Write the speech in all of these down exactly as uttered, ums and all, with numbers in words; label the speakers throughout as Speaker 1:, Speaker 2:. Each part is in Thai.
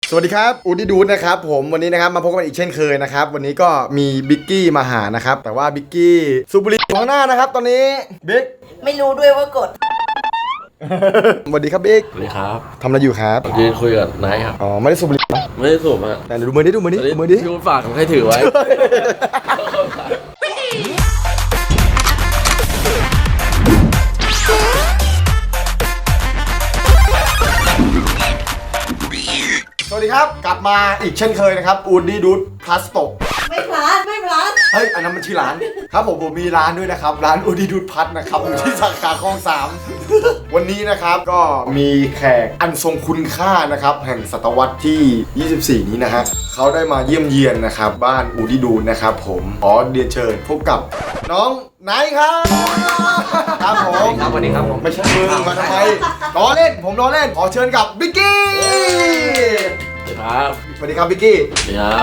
Speaker 1: สวัสดีครับอูดี้ดูดนะครับผมวันนี้นะครับมาพบกันอีกเช่นเคยนะครับวันนี้ก็มีบิ๊กกี้มาหานะครับแต่ว่าบิ๊กกี้สูบบุหรี่ข้างหน้านะครับตอนนี้บิ๊ก
Speaker 2: ไม่รู้ด้วยว่ากด
Speaker 1: สวัสดีครับบิ๊ก
Speaker 3: สวัสดีครับ
Speaker 1: ทำอะไรอยู่ครับ
Speaker 3: ยืนคุยกับนายครับ
Speaker 1: อ๋อไม่ได้สูบบุหรี่
Speaker 3: ไม่ได้สูบอ่ะ
Speaker 1: แต่ดูมือดิดูมือดิดูมือดิ
Speaker 3: พี่คุณฝากผมให้ถือไว้
Speaker 1: สวัสดีครับกลับมาอีกเช่นเคยนะครับอูดี้ดูดพลัสโต
Speaker 2: ไม่พลาดไม่พลาด
Speaker 1: เฮ้ยอันนั้นมันชื่อร้านครับผมผมมีร้านด้วยนะครับร้านอูดี้ดูดพัทนะครับอยู่ที่สาขาคลองสามวันนี้นะครับก็มีแขกอันทรงคุณค่านะครับแห่งศตวรรษที่ยี่สิบสี่นี้นะฮะเขาได้มาเยี่ยมเยียนนะครับบ้านอูดี้ดูดนะครับผมขอเรียนเชิญพบกับน้องไนท์ครับครับผม
Speaker 3: ครับสวัสดีครับผม
Speaker 1: ไม่ใช่มึงมาทำไมล้อเล่นผมล้อเล่นขอเชิญกับบิ๊กกี้
Speaker 3: ครับ
Speaker 1: สวัสดีครับบิ๊กกี้
Speaker 3: สวัสดีครับ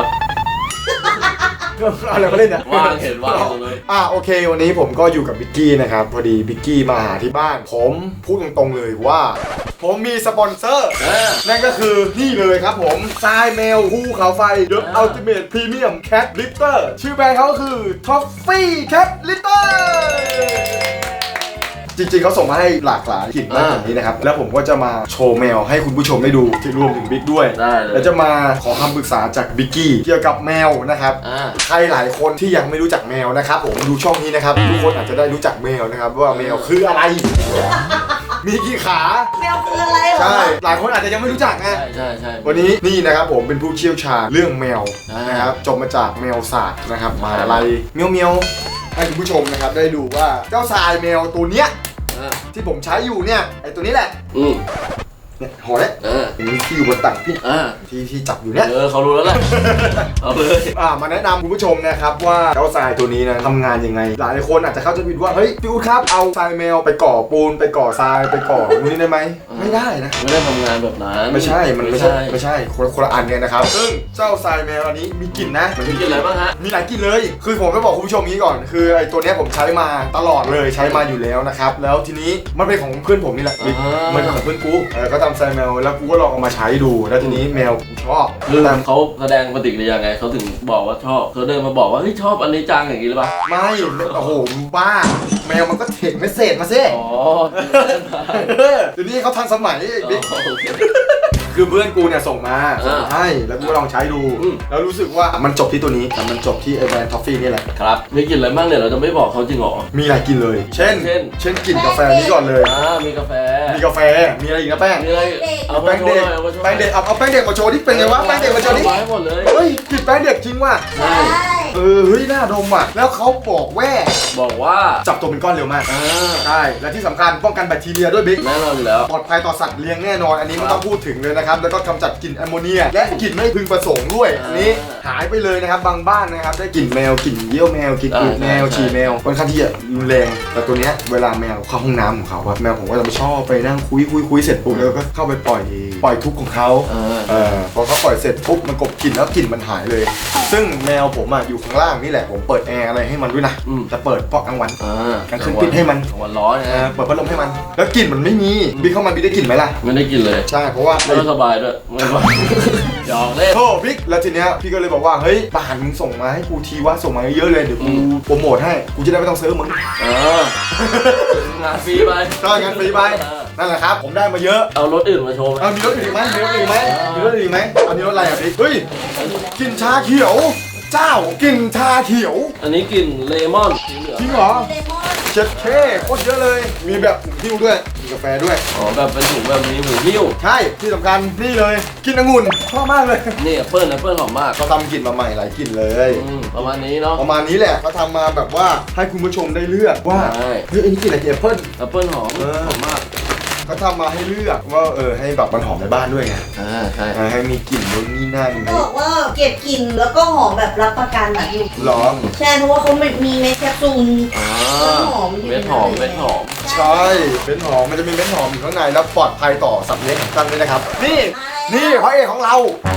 Speaker 1: อะไรมาเล่นเนี่ย
Speaker 3: ว่างเห็นว่างเลย
Speaker 1: อ่ะโอเควันนี้ผมก็อยู่กับบิ๊กกี้นะครับพอดีบิ๊กกี้มาหาที่บ้านผมพูดตรงๆเลยว่าผมมีสปอนเซอร์นั่นก็คือนี่เลยครับผมทรายเมลภูเขาไฟเดอะอัลติเมทพรีเมียมแคทลิตเตอร์ชื่อแบรนด์เขาคือท็อฟฟี่แคทลิตเตอร์จริงๆเขาส่งมาให้หลากหลายกลิ่นมากแบบนี้นะครับแล้วผมก็จะมาโชว์แมวให้คุณผู้ชมได้ดูที่รวมถึงบิ๊กด้วยแล้วจะมาขอคำปรึกษาจากบิ๊กกี้เกี่ยวกับแมวนะครับใครหลายคนที่ยังไม่รู้จักแมวนะครับผมดูช่องนี้นะครับทุกคนอาจจะได้รู้จักแมวนะครับว่าแมวคืออะไรมีกี่ขา
Speaker 2: แมวคืออะไรเหรอ
Speaker 1: ใช่หลายคนอาจจะยังไม่รู้จักไง
Speaker 3: ใช่ใช่
Speaker 1: วันนี้นี่นะครับผมเป็นผู้เชี่ยวชาญเรื่องแมวนะครับจบมาจากแมวศาสตร์นะครับมาอะไรเมียวเมียวให้คุณผู้ชมนะครับได้ดูว่าเจ้าทรายแมวตัวเนี้ยที่ผมใช้อยู่เนี่ยไอตัวนี้แหละ
Speaker 3: อืม
Speaker 1: เนี่ยหอเนี่ยที่อยู่บนตักพี่ที่ที่จับอยู่เนี่ย
Speaker 3: เออเขารู้แล้วแหละเอาเลย
Speaker 1: อ่ามาแนะนำคุณผู้ชมนะครับว่าเจ้าทรายตัวนี้นะทำงานยังไงหลายคนอาจจะเข้าใจผิดว่าเฮ้ยพี่อู๊ดครับเอาทรายแมวไปก่อปูนไปก่อทรายไปก่อนี่ได้ไหมไม่ได้นะ
Speaker 3: ไม่ได้ทำงานแบบนั้น
Speaker 1: ไม่ใช่มันไม่ใช่ไม่ใช่คนคนละอันกันนะครับซึ่งเจ้าทรายแมวอันนี้มีกลิ่นนะ
Speaker 3: มีกลิ่นอะไรบ้างฮะ
Speaker 1: มีหลายกลิ่นเลยคือผมจะบอกคุณผู้ชมนี้ก่อนคือไอตัวนี้ผมใช้มาตลอดเลยใช้มาอยู่แล้วนะครับแล้วทีนี้มันเป็นของเพื่อนผมนี่แหละมันเป็นของเพื่อนกูก็ทำทรายแมวแล้วกูก็ลองเอามาใช้ดูแล้วทีนี้แมวกูชอบ
Speaker 3: คือเขาแสดงปฏิกิริยาไงเขาถึงบอกว่าชอบเขาเดินมาบอกว่าเฮ้ยชอบอันนี้จังอย่างนี้หรือเปล่า
Speaker 1: ไม่โอ้โหบ้าแมวมันก็เทคเมสเซจมาซิ
Speaker 3: อ๋อ
Speaker 1: เดี๋ยวนี้เขาทันสมัยบิ๊กคือเพื่อนกูเนี่ยส่งมาส่งให้แล้วกูลองใช้ดูแล้วรู้สึกว่ามันจบที่ตัวนี้แต่มันจบที่ไอแบรนด์ทอฟฟี่นี่แหละ
Speaker 3: ครับมีกลิ่นอะไรบ้างเนี่ยเราจะไม่บอกเขาจริงหรอ
Speaker 1: มีหลายกลิ่นเลยเช่นเช่นเช่นกลิ่นกาแฟนี้ก่อนเลย
Speaker 3: อ่ามีกาแฟ
Speaker 1: มีกาแฟมีอะไรอีกนะแป้ง
Speaker 3: มีอะไร
Speaker 1: เอาแป้งเด็กแป้งเด็กเอาเอาแป้งเด็กมาโชว์ที่เป็นไงวะแป้งเด็กมาโชว์ที่
Speaker 3: หมดเลย
Speaker 1: เฮ้ยกลิ่นแป้งเด็กจริงว่ะ
Speaker 2: ใช่
Speaker 1: เออเฮ้ยน่าดมว่ะแล้วเขาบอกแว่
Speaker 3: บอกว่า
Speaker 1: จับตัวเป็นก้อนเร็วมากใช่และที่สำคัญป้องกันแบคทีเรียด้วยบิ๊ก
Speaker 3: แน่นอนอยู่แล้ว
Speaker 1: ปลอดภัยต่อสัตว์เลี้ยงแน่นอนอันนี้ไม่ต้องพูดถึงเลยนะครับแล้วก็กำจัดกลิ่นแอมโมเนียและกลิ่นไม่พึงประสงค์ด้วยอันนี้หายไปเลยนะครับบางบ้านนะครับได้กลิ่นแมวกลิ่นเยี่ยวแมวกลิ่นอึแมวฉี่แมวค่อนข้างที่จะรุนแรงแต่ตัวเนี้ยเวลาแมวเข้าห้องน้ำของเขาแมวผมก็จะไม่ชอบไปนั่งคุยคุยคุยเสร็จปุ๊บแล้วก็เข้าไปปล่อยปล่อยทุกข์ของเขาเออพอเขาปล่อยเสร็จปุ๊บมันกบกลิ่นแล้วกลิ่นมันหายเลยซึ่งแมวผมอ่ะอยู่ข้างล่างนี่แหละผมเปิดแอร์อะไรให้มันด้วยนะจะเปิดเพราะกลางวันกลางคืนปิดให้มัน
Speaker 3: กลางวันร้อน
Speaker 1: เปิดพัดลมให้มันแล้วกลิ่นมันไม่มีบิ๊กเข้ามาบิ๊กได้กลิ่นไหมล่ะ
Speaker 3: ไม่ได้กลิ่นเลย
Speaker 1: ใช่เพราะว่า
Speaker 3: ไม่สบายด้วยไม่สบายหยอกเล่น
Speaker 1: โธ่บิ๊กแล้วทีเนี้ยพี่ก็เลยบอกว่าเฮ้ยป่านมึงส่งมาให้กูทีว่าส่งมาเยอะเลยเดี๋ยวกูโปรโมทให้กูจะได้ไม่ต้องซื้อมึง
Speaker 3: เอองานฟรีไป
Speaker 1: ก็งานฟรีไปนั่นแหละครับผมได้มาเยอะ
Speaker 3: เอารถอื่นมาโชว์
Speaker 1: เอามีรถอื่นไหมมีรถอื่นไหมมีรถอื่นไหมอันนี้รถอะไรอ่ะบิ๊กเฮ้ยกลิ่นชาเขียวเจ้ากลิ่นชาเขียว
Speaker 3: อันนี้กลิ่นเลมอน
Speaker 1: จริงเหรอเจ็ดเคโคตรเยอะเลยมีแบบหูหิ้วด้วยมีกาแฟด้วย
Speaker 3: อ๋อแบบเป็นถุงแบบนี้หูหิ้ว
Speaker 1: ใช่ที่สำคัญนี่เลยกลิ่นองุ่นชอบมากเลย
Speaker 3: นี่แอปเปิ้ลแอปเปิ้ลหอมมาก
Speaker 1: เขาทำกลิ่นมาใหม่หลายกลิ่นเลย
Speaker 3: ประมาณนี้เนาะ
Speaker 1: ประมาณนี้แหละเขาทำมาแบบว่าให้คุณผู้ชมได้เลือกว่าเฮ้ยอันนี้กลิ่นอะไรแอปเปิ้ล
Speaker 3: แอปเปิ้ลหอมหอมมาก
Speaker 1: เขาทำมาให้เลือกว่าเออให้แบบมันหอมในบ้านด้วยไง
Speaker 3: อ่าใช่
Speaker 1: ให้มีกลิ่นนู่นนี่นั่น
Speaker 2: บอกว่าเก็บกลิ่นแล้วก็หอมแบบรับประกันแบบอยู่
Speaker 1: หรอ
Speaker 2: ใช่เพราะว่าเขามีเม็ดแคปซูล
Speaker 3: หอมเม็ดหอมเม็ดหอม
Speaker 1: ใช่เม็ดหอมมันจะมีเม็ดหอมอยู่ข้างในแล้วปลอดภัยต่อสัตว์เลี้ยงของท่านด้วยนะครับนี่นี่พระเอกของเรา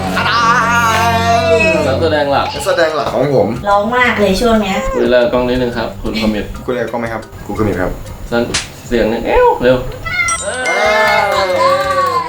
Speaker 3: นักแสดงหลัก
Speaker 1: นักแสดงหลักของผม
Speaker 2: ร้องมากเลยช่วงนี้
Speaker 3: คุยเลิกกล้องนิดนึงครับคุณคอมเมนต์
Speaker 1: คุณเลิกกล้องไหมครับคุณคอมเมนต์ครับ
Speaker 3: เสียงนึงเอ้วเร็ว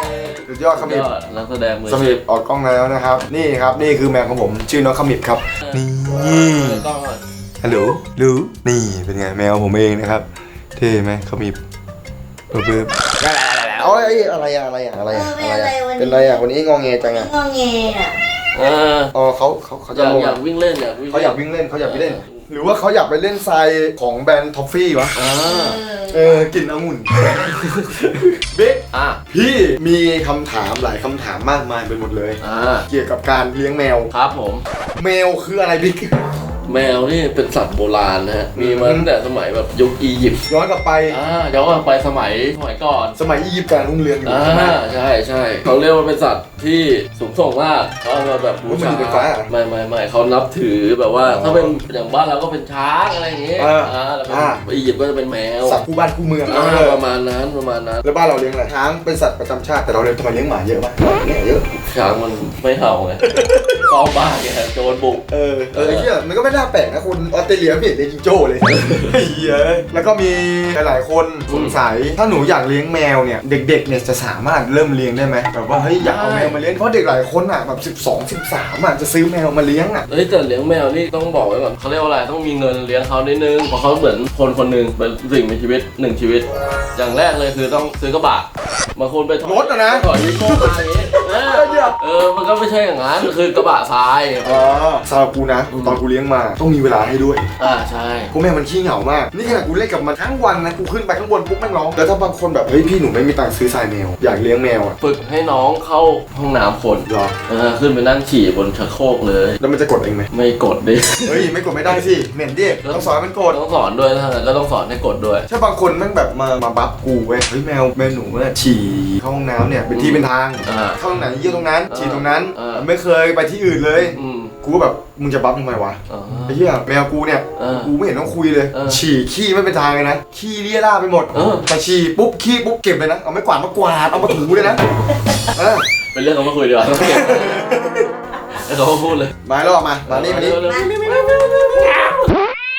Speaker 1: สุดยอดขมิบ
Speaker 3: ยอดนักแสดงมือ
Speaker 1: ขมิบออกกล้องแล้วนะครับ นี่ครับนี่คือแมวของผมชื่อน้องขมิบครับนี่
Speaker 3: กล้องก่อน
Speaker 1: ฮัลโหลรู้นี่เป็นไงแมวผมเองนะครับเท่ไหมขมิบเบิ้มๆเอาไอ้อะไรอะอะไรอะอะไรอะอะไรอะเป็นอะไรอะวันนี้งอแงจังอะ
Speaker 2: งอแงอ่ะ
Speaker 3: เออ
Speaker 1: อ๋อเขาเขาเขา
Speaker 3: อ
Speaker 1: จะ
Speaker 3: ยาก
Speaker 1: ลง
Speaker 3: อยากวิ่งเล่นอยากวิ่ง
Speaker 1: เขาอยากวิ่งเล่นเขาอยากไปเล่น หรือว่าเขาอยากไปเล่นทรายของแบรนด์ท็อฟฟี่วะ
Speaker 3: อ่า
Speaker 1: เออกลิ่นองุ่นบิ๊ก
Speaker 3: อ่ะ
Speaker 1: พี่มีคำถามหลายคำถามมากมายไปหมดเลย
Speaker 3: อ่า
Speaker 1: เกี่ยวกับการเลี้ยงแมว
Speaker 3: ครับผม
Speaker 1: แมวคืออะไรบิ๊ก
Speaker 3: แมวนี่เป็นสัตว์โบราณนะฮะมีมาตั้งแต่สมัยแบบยุคอียิปต์
Speaker 1: ย้อนกลับไป
Speaker 3: อ่าเดี๋ยวก็ไปสมัยสมัยก่อน
Speaker 1: สมัยอียิปต์การรุ่งเรืองอยู่
Speaker 3: อ่า
Speaker 1: ใช่ไหม
Speaker 3: ใช่ใช่เขาเรียกว่าเป็นสัตว์ที่สูงส่งมากเขาเอามาแบบบู
Speaker 1: มัน
Speaker 3: ชา
Speaker 1: อยู่บนฟ้าเหรอ
Speaker 3: ไม่ไม่ไม่เขานับถือแบบว่า
Speaker 1: อ๋อ
Speaker 3: ถ้าเป็นอย่างบ้านเราก็เป็นช้างอะไรอย่างเงี้ย
Speaker 1: อ่า
Speaker 3: อ่าแล้วเป็น
Speaker 1: อ่า
Speaker 3: อียิปต์ก็จะเป็นแมว
Speaker 1: สัตว์คู่บ้านคู่เมือง
Speaker 3: อ่า
Speaker 1: เออ
Speaker 3: ประมาณนั้นประมาณนั้น
Speaker 1: แล้วบ้านเราเลี้ยงอะไรช้างเป็นสัตว์ประจำชาติแต่เราเลี้ยงทำไมเลี้ยงหมาเยอะมากเนี่ยเยอะ
Speaker 3: ช้างมันไม่เห่าไง เฝ้าบ้านไงโจรบุก
Speaker 1: เออเออไอ้เหี้ยมันก็ไม่น่าแปลกนะคนออสเตรเลียไม่เห็นเลี้ยงจิงโจ้เลยไอ้เหี้ยแล้วก็มีหลายๆคนสงสัยถ้าหนูอยากเลี้ยงแมวเนี่ยเด็กๆเนี่ยจะสามารถเริ่มเลี้ยงได้ไหมแบบว่าเฮ้ยอยากเอาแมวมาเลี้ยงเพราะเด็กหลายคนอ่ะแบบสิบสอง สิบสามอ่ะจะซื้อแมวมาเลี้ยงอ่ะ
Speaker 3: เฮ้ยแต่เลี้ยงแมวนี่ต้องบอกไว้ก่อนเขาเรียกว่าอะไรต้องมีเงินเลี้ยงเขานิดนึงเพราะเขาเหมือนคนคนหนึ่งเป็นสิ่งมีชีวิตหนึ่งชีวิต อย่างแรกเลยคือต้องซื้อกระบะบางคนไปถอย
Speaker 1: รถอะนะ
Speaker 3: ถอยยี่โก้มาอย่างงี้เออเออมันก็ไม่ใช่อย่างนั้นคือกระบะทราย
Speaker 1: อ๋อสำหรับกูนะ ตอนกูเลี้ยงมาต้องมีเวลาให้ด้วย
Speaker 3: อ่าใช่
Speaker 1: กูแม่มันขี้เหงามากนี่ขนาดกูเล่นกับมันทั้งวันนะกูขึ้นไปข้างบนปุ๊บแม่งร้องแล้วถ้าบางคนแบบเฮ้ยพี่หนูไม่มีตังค์ซื้อทรายแมวอยากเลี้ยงแมวอ่ะ
Speaker 3: ฝึกให้น้องเข้าห้องน้ำคน
Speaker 1: เหรอ
Speaker 3: เออขึ้นไปนั่งฉี่บนชักโครกเลย
Speaker 1: แล้วมันจะกดเองไหม
Speaker 3: ไม่กดดิ
Speaker 1: เฮ้ยไม่กดไม่ได้สิเหม็นดิต้องสอนให้มันกด
Speaker 3: ต้องสอนด้วยนะก็ต้องสอนให้กดด้วย
Speaker 1: ถ้าบางคนแม่งแบบมามาบัฟกูเว้ยเฮ้ยแมวแมวหนูเนี่ยฉี่เข้าห้องน้ำเนี่ยเป็นที่เป็นทาง
Speaker 3: อ่า
Speaker 1: เข้าตรงไหนเยี่ยวตรงนั้น
Speaker 3: อ่า
Speaker 1: ฉี่ตรงนั้น
Speaker 3: อ่า
Speaker 1: ไม่เคยไปที่อื่นเลย
Speaker 3: อืม
Speaker 1: กูก็แบบมึงจะบัฟทำไมวะ
Speaker 3: อ๋อ
Speaker 1: ไอ้เหี้ยแมวกูเนี่ย
Speaker 3: เออ
Speaker 1: กูไม่เห็นต้องคุยเลย
Speaker 3: เออ
Speaker 1: ฉี่ขี้ไม่เป็นทางเลยนะขี้เลี่ยราไปหมด
Speaker 3: เออ
Speaker 1: แต่ฉี่ปุ๊บขี้ปุ๊บเก็บเลยนะเอาไม้กวาดมากวาดเอามาถูเลยนะเออ
Speaker 3: เป็นเรื่องเขามาคุยดีกว่าต้องเก็บแล้วเขาก็พูดเลย
Speaker 1: มาแล้วออกมามานี่มานี่
Speaker 3: เร็ว
Speaker 2: มา
Speaker 3: ๆ
Speaker 2: ไม่ไม่ไม่ไม่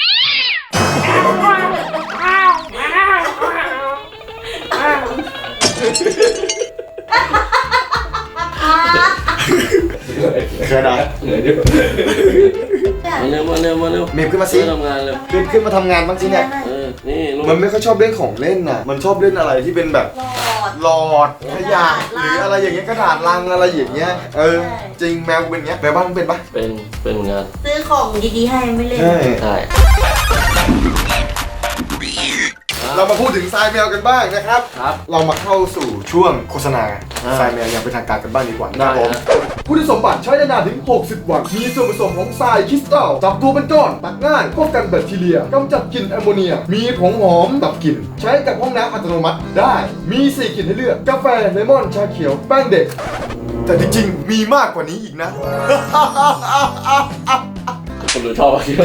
Speaker 1: เคยนะ
Speaker 3: เหนื่อยดิมาเร็วมาเร็วมาเร็ว
Speaker 1: เมมขึ้นมาสิ
Speaker 3: เริ่ทำงานเร็ว
Speaker 1: ขึ้นขึ้นมาทำงานบ้างสิเนี่ย
Speaker 3: เออนี่ลูก
Speaker 1: มันไม่ค่อยชอบเล่นของเล่นน่ะ มันชอบเล่นอะไรที่เป็นแบบ
Speaker 2: หลอด
Speaker 1: หลอดขยะหรืออะไรอย่างเงี้ยกระดาษลังอะไรอย่างเงี้ย เออ จริงแมวกูเป็นอย่างเงี้ยแมวบ้านมึงเป็นปะ
Speaker 3: เป็นเป็นงาน
Speaker 2: ซื้อของดีๆให้ไม่เล่น
Speaker 1: ใช่
Speaker 3: ใช่
Speaker 1: เรามาพูดถึงทรายแมวกันบ้างนะครับ
Speaker 3: ครับ
Speaker 1: เรามาเข้าสู่ช่วงโฆษณา
Speaker 3: อ่า
Speaker 1: ทรายแมวอย่างเป็นทางการกันบ้างดีกว่านะครับผม
Speaker 3: ได้ฮะ
Speaker 1: คุณสมบัติใช้ได้นานถึง หกสิบ วัน มีส่วนผสมของทรายคริสตัลจับตัวเป็นก้อน ตักง่ายป้องกันแบคทีเรียกำจัดกลิ่นแอมโมเนีย มีผงหอมดับกลิ่น ใช้กับห้องน้ำอัตโนมัติได้ มี สี่ กลิ่นให้เลือก กาแฟ เลมอน ชาเขียว แป้งเด็ก แต่จริงๆ มีมากกว่านี้อีกนะ
Speaker 3: คนดูชอบอะคิดว่า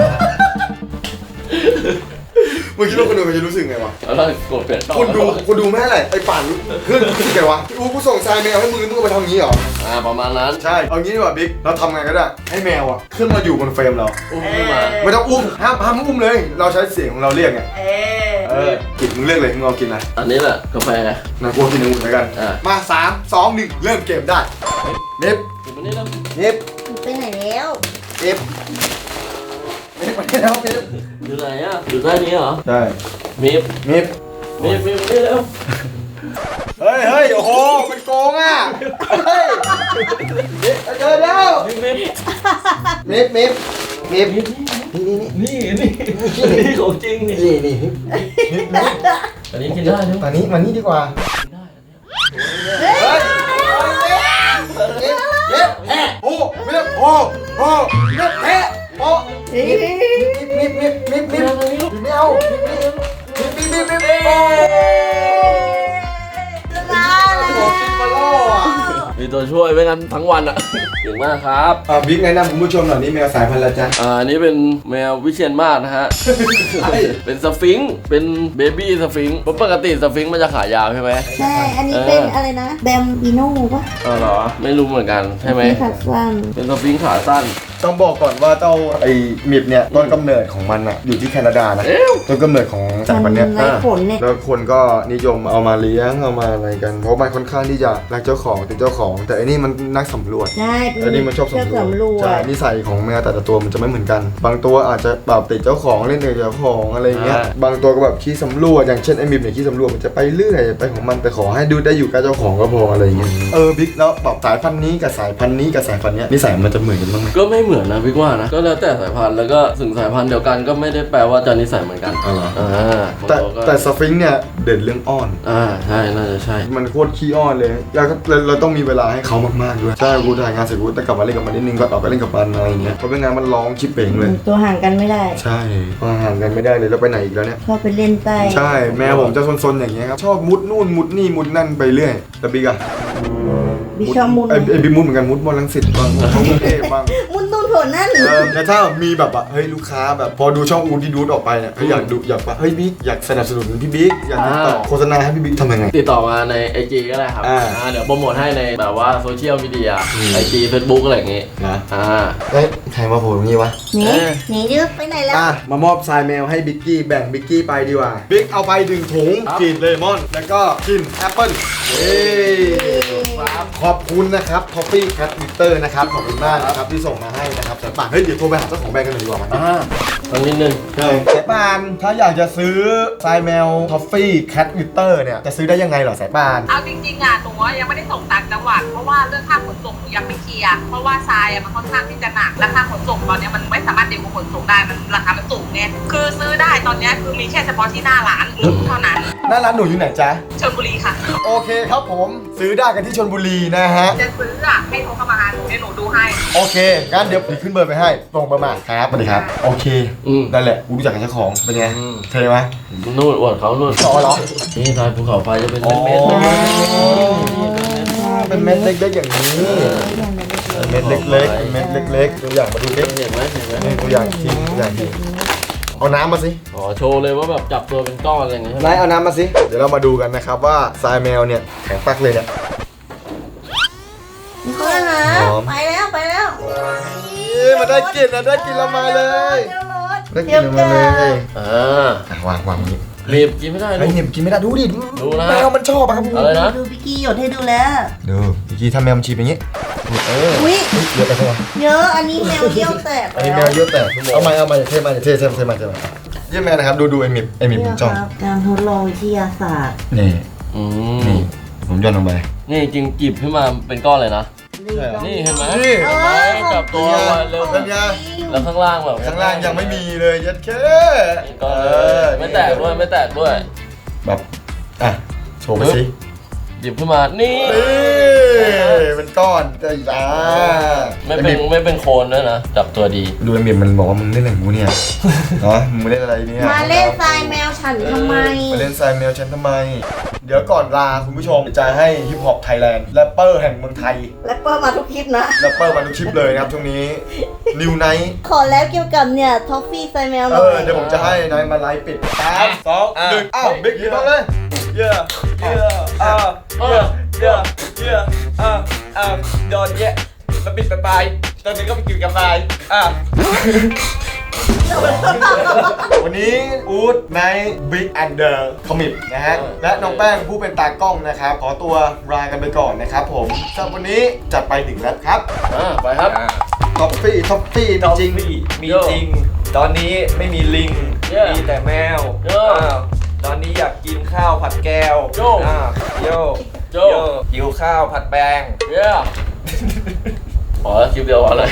Speaker 1: มึงคิดว่าคนดูมันจะรู้สึกไงวะ
Speaker 3: แล้วเรากดเปลี่ยนช่อง
Speaker 1: คนดูคนดูไม่ให้อะไรไอ้ป่านเพื่อนรู้สึกไงวะอูกูส่งทรายแมวให้มึงมึงก็ไปทำงี้เหรอ
Speaker 3: อ่าประมาณนั้น
Speaker 1: ใช่ เอางี้ดีกว่าบิ๊ก เราทำไงก็ได้ ให้แมวอ่ะขึ้นมาอยู่บนเฟรมเรา
Speaker 3: อุ้มขึ้นมา
Speaker 1: ไม่ต้องอุ้ม ห้ามห้ามอุ้มเลย เราใช้เสียงของเราเรียกไง
Speaker 2: เอ
Speaker 1: เอ
Speaker 2: อ
Speaker 1: อ กินมึงเลือกเลยมึงเอากินอะไร
Speaker 3: อันนี้แหละกาแฟ
Speaker 1: นะกูเอากินองุ่นแล้วกัน
Speaker 3: อ่า
Speaker 1: มาสามสองหนึ่งเริ่มเกมได้เนฟ
Speaker 3: อยู่มานี่แล้ว
Speaker 1: เนฟ
Speaker 2: ไปไหนแล้ว
Speaker 1: เนฟเนฟมาได้แล้วเนฟ
Speaker 3: อยู่ไหนอ่ะอยู่ใต้นี้เหรอ
Speaker 1: ได้
Speaker 3: มีบ
Speaker 1: เนฟ
Speaker 3: มีบมีบนี่แล้ว
Speaker 1: เฮ้ยเฮ้ยโอ้โห มันโกงอ่ะ เฮ้ยเนฟเจอแล้ว
Speaker 3: มีบมีบ
Speaker 1: เนฟเนฟเนฟ
Speaker 3: มีบ
Speaker 1: นี่นี่นี่
Speaker 3: นี่นี่นี่ของจริงนี่
Speaker 1: นี่นี่เนฟเนฟ
Speaker 3: อันนี้กินได้ใช่ไหม
Speaker 1: มานี้มานี่ดีกว่า
Speaker 3: กินได้อันเนี้ย
Speaker 1: เฮ้ยเนฟเนฟแพ้โอ้เนฟโอ้โอ้เนฟแพ้โอ้เนฟเนฟเนฟเนฟเนฟเนฟไม่เอาเนฟเนฟเนฟเนฟเนฟเนฟโอ้
Speaker 2: ชนะแล้ว
Speaker 1: มาล่ออ่ะ
Speaker 3: มีตัวช่วยไว้งั้นทั้งวันอ่ะเก่งมากครับ
Speaker 1: อ่าบิ๊กแนะนำคุณผู้ชมหน่อยนี่แมวสายพันธุ์อะไรจ๊ะ
Speaker 3: อ่าอันนี้เป็นแมววิเชียนมาศนะฮะ
Speaker 1: ใช่
Speaker 3: เป็นสฟิงค์เป็นเบบี้สฟิงค์เพราะปกติสฟิงค์มันจะขายาวใช่ไหม
Speaker 2: ใช่ อันนี้เป็นอะไรนะ แบมบิโน่ปะ
Speaker 3: อ๋อเหรอ ไม่รู้เหมือนกันใช่ไหม
Speaker 2: ขาสั้น
Speaker 3: เป็นสฟิงค์ขาสั้น
Speaker 1: ต้องบอกก่อนว่าเจ้าไอ้มิบเนี่ยต้นกำเนิดของมันอะอยู่ที่แคนาดานะต้นกำเนิดของสายพันธุ์เนี้ย
Speaker 2: มันไร้ผลเนี่ย
Speaker 1: แล้วคนก็นิยมเอามาเลี้ยงเอามาอะไรกัน เพราะมันค่อนข้างที่จะรักเจ้าของเป็นเจ้าของ แต่อันนี้มันนักสำรวจ
Speaker 2: ใช่
Speaker 1: อันนี้มันชอบสำรวจ
Speaker 2: สำรวจ
Speaker 1: ใช่นิสัยของแมวแต่ละตัวมันจะไม่เหมือนกัน บางตัวอาจจะแบบติดเจ้าของเล่นกับเจ้าของอะไรเงี้ยบางตัวก็แบบขี้สำรวจอย่างเช่นไอ้มิบเนี่ยขี้สำรวจมันจะไปเรื่อยไปของมันแต่ขอให้ดูได้อยู่กับเจ้าของก็พออะไรเงี้ยเออบิ๊กแล้วแบบสายพันธุ์นี้กับสายพันธุ์นี้กับสายพันธุ์เนี้ยนิสัยมันจะเหมือนกันบ้างไหม
Speaker 3: ก็ไม่เหมือนนะพี่ว่านะก็แล้วแต่สายพันธุ์แล้วก็ถึงสายพันธุ์เดียวกันก็ไม่ได้แปลว่าจะนิสัยเหมือนกัน
Speaker 1: อ๋อเหรอ
Speaker 3: อ่า
Speaker 1: แต่แต่สฟิงค์เนี่ยเด่นเรื่องอ้อน
Speaker 3: อ่าใช่น่าจะใช่
Speaker 1: มันโคตรขี้อ้อนเลยแล้วก็เราเราต้องมีเวลาให้เขามากๆด้วยใช่กูถ่ายงานเสร็จกูแต่กลับมาเล่นกับมันนิดนึงก็ออกไปเล่นกับมันอะไรเงี้ยเพราะเป็นงานมันร้องชิบเป่งเลย
Speaker 2: ตัวห่างกันไม่ได้
Speaker 1: ใช่พอห่างกันไม่ได้เลยแล้วไปไหนอีกแล้วเนี่ย
Speaker 2: ชอบไปเล่นใต้
Speaker 1: ใช่แม่ผมจะซนๆอย่างเงี้ยครับชอบมุดนู่นมุดนี่มุดนั่นไปเรื่อยแต่บิ๊กอะ
Speaker 2: บิชอบมุน
Speaker 1: ไอ้ไอ้บิ๊กมุดเหมือนกันมุดมอลังสิตบ้างมุดกรุงเทพบ้าง
Speaker 2: มุนตูนโถนั่น
Speaker 1: เออแต่ถ้ามีแบบว่าเฮ้ยลูกค้าแบบพอดูช่องอูที่ดูดออกไปเนี่ยเฮ้ยอยากดูอยากว่าเฮ้ยบิ๊กอยากสนับสนุนพี่บิ๊กอยากติดต่อโฆษณาให้พี่บิ๊กทำยังไง
Speaker 3: ติดต่อมาใน ไอ จี ก็ได้ครับ
Speaker 1: อ่า
Speaker 3: อ่าเดี๋ยวโปรโมทให้ในแบบว่าโซเชียลมีเดีย
Speaker 1: อืม
Speaker 3: ไอ จี เฟซบุ๊กอะไรอย่างงี้
Speaker 1: นะ
Speaker 3: อ่า
Speaker 1: เฮ้ยใครมาโผล่ตรงนี้วะ
Speaker 2: หนี
Speaker 3: เออ
Speaker 2: หนีดื้อไปไหนแล้ว
Speaker 1: อ่ะมามอบทรายแมวให้บิ๊กกี้แบ่งบิ๊กกี้ไปดีกว่าบิ๊กเอาไปหนึ่งถุง
Speaker 3: ครับ
Speaker 1: กลิ่นเลมอนแล้วก็กลิ่นแอปเปิ้ลเย้ขอบคุณนะครับ Coffee Cat Litter นะครับขอบคุณมากนะครับที่ส่งมาให้นะครับแต่ป่านเฮ้ยเดี๋ยวโทรไปหาเจ้าของแบรนด์กันหน่อยดีกว่ามัน
Speaker 3: อ่าตรงนิดนึง
Speaker 1: ใช่สายปานถ้าอยากจะซื้อทรายแมว Coffee Cat Litter เนี่ยจะซื้อได้ยังไงเหรอสายปาน
Speaker 4: เอาจริงๆอ่ะหนูอะยังไม่ได้ส่งต่างจังหวัดเพราะว่าเรื่องค่าขนส่งหนูยังไม่เคลียร์เพราะว่าทรายอ่ะมันค่อนข้างที่จะหนักและค่าขนส่งตอนเนี้ยมันไม่สามารถเด็กขนส่งได้มันราคามันสูงไงคือซื้อได้ตอนเนี้ยคือมีแค่เฉพาะที่หน้าร้านหรือเท่านั้น
Speaker 1: หน้าร้านหนูอยู่ไหนจ๊ะ
Speaker 4: ชลบุรีค่ะ
Speaker 1: โอเคครับผมซื้อได้กันที่ชลบุรีนะฮะ
Speaker 4: จะซื้ออ่ะให้โทรเข้ามาหาหนูเดี๋ยวหนูดูให้
Speaker 1: โอเคงั้นเดี๋ยวผมขึ้นเบอร์ไปให้ตรงประมาณครับสวัสดีครับโอเค
Speaker 3: อืม
Speaker 1: นั่นแหละกูรู้จักกับเจ้าของเป็นไง
Speaker 3: อืม
Speaker 1: เท่ไหม
Speaker 3: นู่นอวดเขานู่น
Speaker 1: อ๋อเหรอ
Speaker 3: นี่ทรายภูเขาไฟจะเป็น
Speaker 1: อ๋อ
Speaker 3: เม็ดๆ
Speaker 1: เป็นเม็ดเล็กๆอย่างนี้เม็ดเล็กๆเม็ดเล็กๆตัวอย่างมาดูเล็ก
Speaker 3: เห็นไหมเห็นไหม
Speaker 1: นี่ตัวอย่างทีตัวอย่างทีเอาน้ำมาสิ
Speaker 3: อ๋อโชว์เลยว่าแบบจับตัวเป็นก้อนอะไรอย่างเงี้ยใช่ไหม
Speaker 1: นายเอาน้ำมาสิเดี๋ยวเรามาดูกันนะครับว่าทรายแมวเนี่ยแข็งปักเลยเนี่ย
Speaker 2: เขาแล้วนะ
Speaker 1: หอม
Speaker 2: ไปแล้วไปแล้ว
Speaker 1: เอ้ยมาได้กลิ่นนะได้กลิ่นแล้วมาเลย
Speaker 2: เดี๋ยวรถ
Speaker 1: ได้กลิ่นแล้วมาเลย
Speaker 3: อ่า
Speaker 1: อ่ะวางวางอย่างนี้
Speaker 3: รีบกินไม่ได้
Speaker 1: ไอ้
Speaker 3: ลูก
Speaker 1: เนี่ยกินไม่ได้ดูดิ
Speaker 3: ดูนะ
Speaker 1: แมวมันชอบอะครับ
Speaker 3: อะไรนะ
Speaker 2: ดูพี่กี้หยดให้ดูแล้ว
Speaker 1: ดูเมื่อกี้ถ้าแมวมันฉีบอย่างนี้เออ
Speaker 2: อุ้ย
Speaker 1: เยอะไปใช่ไหม
Speaker 2: เยอะอันนี้แมวเยี่ยวแตก
Speaker 1: อันนี้แมวเยอะแต่เอามาเอามาเท่มาเท่เท่เท่มาเท่มาเยี่ยมแมวนะครับดูดูไอ้มิบไอ้มิบ
Speaker 2: เนี่
Speaker 1: ผ
Speaker 2: ย
Speaker 1: มจ้อง
Speaker 2: ครับการทดลองวิทยาศาสตร์
Speaker 1: นี่
Speaker 3: อืม
Speaker 1: นี่ผมย่อนลงไป
Speaker 3: นี่จริงจีบขึ้นมาเป็นก้อนเลยนะ
Speaker 1: ใช่เหรอ
Speaker 3: นี่เห็นไหม
Speaker 1: นี่
Speaker 3: เห็นไหมจับตัวไว้เร็ว
Speaker 1: เป็นไง
Speaker 3: แล้วข้างล่างแบบ
Speaker 1: ข้างล่างยังไม่มีเลยยัดแค่
Speaker 3: ก้อนเลยไม่แตกด้วยไม่แตกด้วย
Speaker 1: แบบอ่ะโชว์ไปสิ
Speaker 3: หยิบขึ้นมานี่
Speaker 1: นี่เป็นก้อนแต่อ่า
Speaker 3: ไม่เป็นไม่เป็นโคนด้วยนะจับตัวดี
Speaker 1: ดูไอ้มิบมันบอกว่ามึงเล่นอะไรของกูเนี่ยเนาะมึงเล่นอะไรเนี่ย
Speaker 2: มาเล่นทรายแมวฉันทำไม
Speaker 1: มาเล่นทรายแมวฉันทำไม เดี๋ยวก่อนลาคุณผู้ชมจะให้ฮิปฮอปไทยแลนด์แรปเปอร์แห่งเมืองไทย
Speaker 2: แรปเปอร์มาทุกคลิปนะ
Speaker 1: แรปเปอร์มาทุกคลิปเลยนะครับช่วงนี้นิวไนท์
Speaker 2: ขอแล้วเกี่ยวกับเนี่ยท็อฟฟี่ทรายแมวห
Speaker 1: เอ
Speaker 2: น่อ
Speaker 1: อย เดี๋ยวผมจะให้นายมาไลฟ์ปิดสามสองหนึ่งอ้าวบิ๊กยิงบ้างเลย
Speaker 5: เยอะเยอะอ่าเยอะเยอะเยอะอ่าอ่าโดนแยะมาปิดไปไปตอนนี้ก็ไปกินกาแฟอ่า
Speaker 1: วันนี้อู๊ดไนท์บิ๊กแอนเดอร์คอมิปนะฮะและน้องแป้งผู้เป็นตากล้องนะครับขอตัวลากันไปก่อนนะครับผมสำหรับวันนี้จัดไปหนึ่งแล้วครับ
Speaker 3: อ่าไปครับ
Speaker 1: ท็อปปี้ท็อปปี้
Speaker 5: จ
Speaker 1: จ
Speaker 5: ริ
Speaker 1: ริ
Speaker 5: ง
Speaker 1: ง
Speaker 5: มีมีจริง ตอนนี้ไม่มีลิง
Speaker 3: เยอะ
Speaker 5: มีแต่แมว
Speaker 3: เยอะ
Speaker 5: อ้าวตอนนี้อยากกินข้าวผัดแก้ว
Speaker 3: โย
Speaker 5: อ่าโย
Speaker 3: โย
Speaker 5: โยหิวข้าวผัดแปง
Speaker 3: เย้ขอคลิปเดียวพอเลย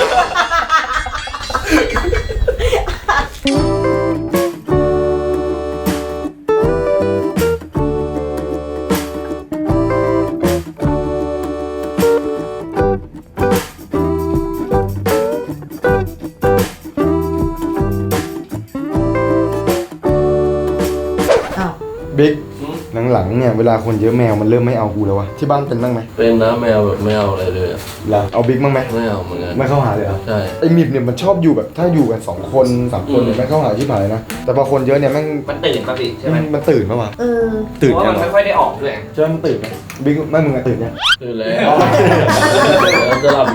Speaker 2: อ้าว
Speaker 1: บิ๊กหลังๆเนี่ยเวลาคนเยอะแมวมันเริ่มไม่เอากูแล้ววะที่บ้านเป็นบ้างไหม
Speaker 3: เป็นนะแมวแบบไม่เอาอะไรเลยอะ
Speaker 1: เหรอเอาบิ๊กบ้างไหม
Speaker 3: ไม่เอาเหมือนกัน
Speaker 1: ไม่เข้าหาเลยเหรอ
Speaker 3: ใช่
Speaker 1: ไอมิบเนี่ยมันชอบอยู่แบบถ้าอยู่กันสองคนสามคนเนี่ย
Speaker 3: อืม
Speaker 1: ไม่เข้าหาที่ผายนะแต่พอคนเยอะเนี่ยแม่ง
Speaker 5: มันตื่นป่ะพี่ใช่ไหม
Speaker 1: มันตื่นปะวะ
Speaker 2: เออ
Speaker 1: ตื่น
Speaker 5: เพราะ
Speaker 1: ยั
Speaker 5: ว่าง มัน
Speaker 1: วะ
Speaker 5: ไม่ค่อยได้ออกด้วย
Speaker 1: เจ้ามันตื่นไหมบิ๊กไม่มึงอะตื่นยัง
Speaker 3: ตื่นแล้วจะหลับอยู่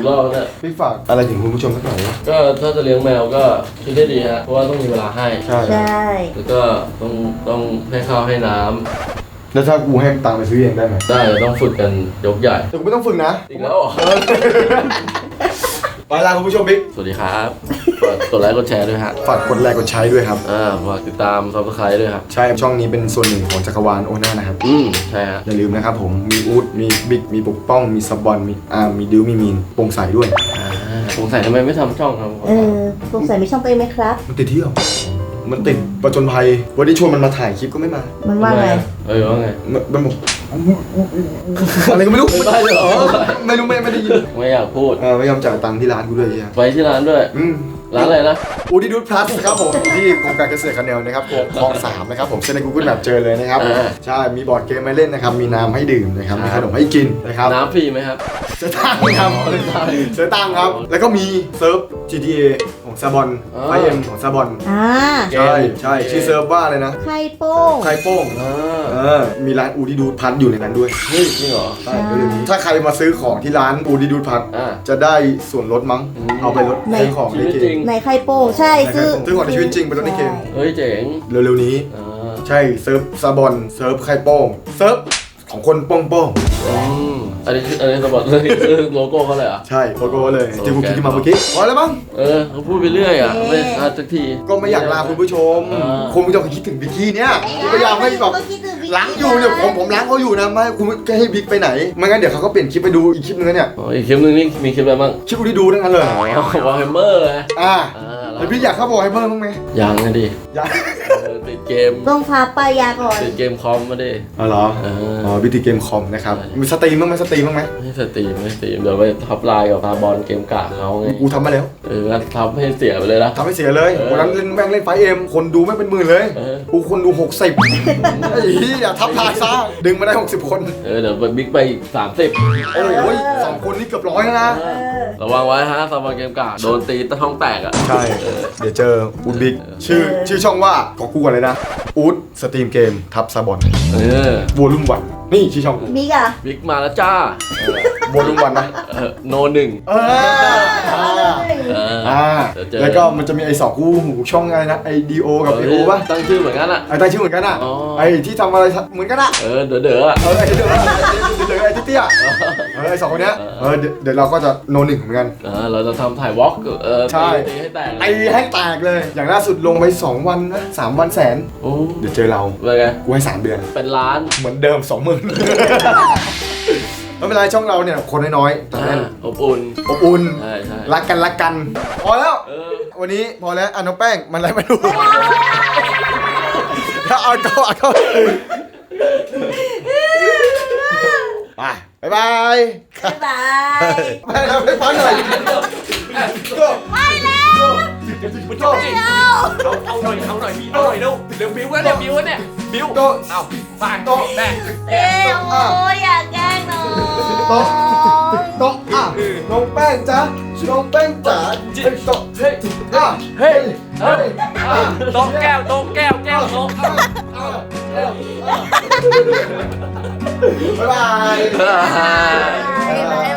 Speaker 3: อีกรอบเนี่ย
Speaker 1: พี่ฝากอะไรถึงคุณผู้ชมสักหน่อยนะ
Speaker 3: ก็ถ้าจะเลี้ยงแมวก็คิดได้ดีฮะเพราะว่าต้องมีเวลาให้
Speaker 1: ใช่
Speaker 2: ใช่
Speaker 3: แล้วก็ต้องต้องให้ข้าวให้น้ำ
Speaker 1: แล้วถ้ากูให้ตังค์ไปซื้อเองได้ไหม
Speaker 3: ได้ต้องฝึกกันยกใหญ่
Speaker 1: แต่กูไม่ต้องฝึกนะ
Speaker 3: อีกแล้วเหรอ
Speaker 1: เออไปลาคุณผู้ชมบิ๊ก
Speaker 3: สวัสดีครับฝากกดไลค์กดแชร์ด้วยฮะ
Speaker 1: ฝากกดไลค์กดใช้ด้วยครับ
Speaker 3: อ่าฝากติดตามซับสไครต์ด้วยครับ
Speaker 1: ใช่ช่องนี้เป็นส่วนหนึ่งของจักรวาลโอน่านะครับ
Speaker 3: อืมใช่ฮะ
Speaker 1: อย่าลืมนะครับผมมีอูดมีบิ๊กมีปกป้องมีซับบอลมีอ่ามีดิวมีมีนโปร่งใสด้วย
Speaker 3: อ่าสงสัยทำไมไม่ทำช่องครับ
Speaker 2: เออสงสัยมีช่องตัวเองไหมครับ
Speaker 1: มันติดเที่ยวมันติดประจนภัยวันนี้ชวนมันมาถ่ายคลิปก็ไม่มา
Speaker 2: มันว่าไง
Speaker 3: เออว่าไง
Speaker 1: มันมันบอกอะไรก็ไม่รู้
Speaker 3: ไม่ได้เหรอ
Speaker 1: ไม่รู้ไม่ไม่ได้ยิน
Speaker 3: ไม่อยากพูด
Speaker 1: เออไม่ยอมจ่ายตังค์ที่ร้านกูด้วยไอ้เหี้ย
Speaker 3: ไปที่ร้านด้วย
Speaker 1: อืม
Speaker 3: ร้านอะไรนะ
Speaker 1: อูดี้ดูดพลัสครับผมที่โครงการเกษตรคาเนลนะครับคลองสามนะครับผมเซ็นใน Google Map เจอเลยนะครับ
Speaker 3: อ่า
Speaker 1: ใช่มีบอร์ดเกมให้เล่นนะครับมีน้ำให้ดื่มนะครับ
Speaker 3: ครับ
Speaker 1: มีขนมให้กินนะครับ
Speaker 3: น้ำฟรีไหมครับ
Speaker 1: เสือตังค์ครับเสือตังค์ครับแล้วก็มีเซิร์ฟ จี ที เอ ของซาบอน
Speaker 3: อ๋อ
Speaker 1: ไฟเอ็มของซาบอน
Speaker 2: อ่า
Speaker 1: ใช่ใช่ชื่อเซิร์ฟว่าอะไรนะ
Speaker 2: ไข่โป้ง
Speaker 1: ไข่โป้ง
Speaker 3: อ่า
Speaker 1: เออมีร้านอูดี้ดูดพัทอยู่ในนั้นด้วย
Speaker 3: เฮ้ยจริงเหรอ
Speaker 1: ใช่เร็วๆนี้ถ้าใครมาซื้อของที่ร้านอูดี้ดูดพัท
Speaker 3: อ่า
Speaker 1: จะได้ส่วนลดมั้ง
Speaker 3: อืม
Speaker 1: เอาไปลดซื้อของ
Speaker 3: ชี
Speaker 1: ใน
Speaker 3: วิต
Speaker 1: เก
Speaker 3: จริ
Speaker 1: ม
Speaker 3: ง
Speaker 2: ในไข่โป้งใช่ซื้อ
Speaker 1: ซื้อของในชีวิตจริงไปลดในเกม
Speaker 3: เฮ้ยเจ๋ง
Speaker 1: เร็วๆนี้
Speaker 3: อ่า
Speaker 1: ใช่เซิร์ฟซาบอนเซิร์ฟไข่โป้งเซิร์ฟของคนโป้งโป้ง
Speaker 3: อืมอันนี้คืออันนี้สปอร์ตเลยคือโลโก้เขาเลยเหรอ่ะ
Speaker 1: ใช่โลโก้เลย
Speaker 3: โอเค
Speaker 1: ที่กูคิดขึ้นมาเมื่อกี้พอแล้วมั้ง
Speaker 3: เออเขาพูดไปเรื่อยอ่ะไม่ทันสักที
Speaker 1: ก็ไม่อยากลาคุณผู้ชม
Speaker 3: อ่า
Speaker 1: คงไม่ต้องคิดถึงบิกกี้เนี่ยกูพยายามให้แบบ
Speaker 2: ก็คิดถึงบิ๊ก
Speaker 1: ล้างอยู่เนี่ยผมผมล้างเขาอยู่นะไม่คุณไม่ให้บิ๊กไปไหนไม่งั้นเดี๋ยวเขาก็เปลี่ยนคลิปไปดูอีกคลิปนึงนะเนี่ย
Speaker 3: อ๋ออีกคลิปนึงนี่มีคลิปอะไรบ้าง
Speaker 1: คลิปกูที่ดูทั้งนั้นเลย
Speaker 3: อ๋อวอลเฮมเมอร์เลย
Speaker 1: อ่า
Speaker 3: อ่า
Speaker 1: แล้วพี่อยากเข้าบอกให้เพิ่มบ้างไหม
Speaker 3: ยังนะดิ
Speaker 1: อยาก
Speaker 3: เออติดเกม
Speaker 2: ต้องพาไปยาก่อน
Speaker 3: ติดเกมคอมมาดิ
Speaker 1: อ๋อเหรอ
Speaker 3: เออ
Speaker 1: อ๋อบิติเกมคอมนะครับ
Speaker 3: ใช่
Speaker 1: มีสตรีมบ้างไหมสตรีมบ้างไหม
Speaker 3: ไม่สตรีมไม่สตรีมเดี๋ยวไปทับไลน์กับตาบอลเกมกากเขาไง
Speaker 1: กูทำมาแล้ว
Speaker 3: เออทำให้เสียไปเลยนะ
Speaker 1: ทำให้เสียเลย
Speaker 3: เออ
Speaker 1: วันนั้นเล่นแม่งเล่นไฟเอ็มคนดูไม่งเป็นหมื่นเลย
Speaker 3: เออ
Speaker 1: กูคนดูหกสิบไอ้เหี้ยทับทายซะดึงมาได้หกสิบคน
Speaker 3: เออเดี๋ยวบิ๊กไปอีกสามสิบ
Speaker 1: โอ้ยสองคนนี่เกือบร้อยแล้วนะ
Speaker 2: เออ
Speaker 3: ระวังไว้ฮะตาบอลเกมกากโดนตีตะท้องแตกอ่ะ
Speaker 1: ใช่ เดี๋ยวเจออูดบิ๊กชื่อชื่อช่องว่าขอกูก่อนเลยนะอูดสตรีมเกมทับซาบอน
Speaker 3: เออ
Speaker 1: วอลุ่มวันนี่ชื่อช่องกู
Speaker 2: บิ๊กอะ
Speaker 3: บิ๊กมาแล้วจ้าว
Speaker 1: อลุ่มวันนะ
Speaker 3: เออโนหนึ่ง
Speaker 1: เอออ่า
Speaker 3: เออ
Speaker 1: อ่า
Speaker 3: เดี๋ยวเจอ
Speaker 1: แล้วก็มันจะมีไอ้สองคู่หูช่องอะไรนะไอดีโอกับไอโอป่ะ
Speaker 3: ตั้งชื่อเหมือนกันอ่ะ
Speaker 1: ไอ้ตั้งชื่อเหมือนกันอ่ะ
Speaker 3: อ๋อ
Speaker 1: ไอ้ที่ทำอะไรเหมือนกันอ่ะ
Speaker 3: เออเด๋อเด๋ออ่ะ
Speaker 1: เออไอ้เดี๋ยวไอ้เดี๋ยวไอ้เตี้ยเออไอ้สองคนเนี้ยเออเดี๋ยวเดี๋ยวเราก็จะโนหนึ่งเหมือนกัน
Speaker 3: เออเราจะทำถ่ายวอล์กเออ
Speaker 1: ใช่
Speaker 3: ตีตีให้แตก
Speaker 1: ไอ้ให้แตกเลย อย่างล่าสุดลงไปสองวันนะสามวันแสน
Speaker 3: โอ้
Speaker 1: เดี๋ยวเจอเรา
Speaker 3: เป็นไง
Speaker 1: กูให้สามเดือน
Speaker 3: เป็นล้าน
Speaker 1: เหมือนเดิมสองหมื่นไม่เป็นไรช่องเราเนี่ยคนน้อยๆแต่แน่น
Speaker 3: อบอุ่น
Speaker 1: อบอุ่น
Speaker 3: ใช่ใช่
Speaker 1: รักกันรักกัน พอแล้ว
Speaker 3: เออ
Speaker 1: วันนี้พอแล้วอ่ะน้องแป้งมันอะไรไม่รู้ถ้าเอาก็เอาก็ไปบ๊ายบาย
Speaker 2: บ๊ายบาย
Speaker 1: ไปแล้วไปพักหน่อยก็
Speaker 2: ไม่แล้ว
Speaker 1: ก็
Speaker 5: เอาเอาหน่อยเอาหน่อยพี่เอาหน่อยเร็วเร็วบิ้วแล้วเนี่ยบิ้วแล้วเนี่ยบิ้ว
Speaker 1: ก็
Speaker 5: เอาฝากโตะแม่
Speaker 2: เอ้ยโอ้ยอยากแกล้งน้อง
Speaker 1: โต๊ะโต๊ะอ่ะน้องแป้งจ๊ะน้องแป้งจ๋าเฮ้ยโต๊ะเฮ้ยอ่ะเฮ้ยเฮ้ยอ่ะ
Speaker 5: โต๊ะแก้วโต๊ะแก้วแก้วโต๊ะ
Speaker 1: บ๊ายบาย
Speaker 2: บ๊ายบาย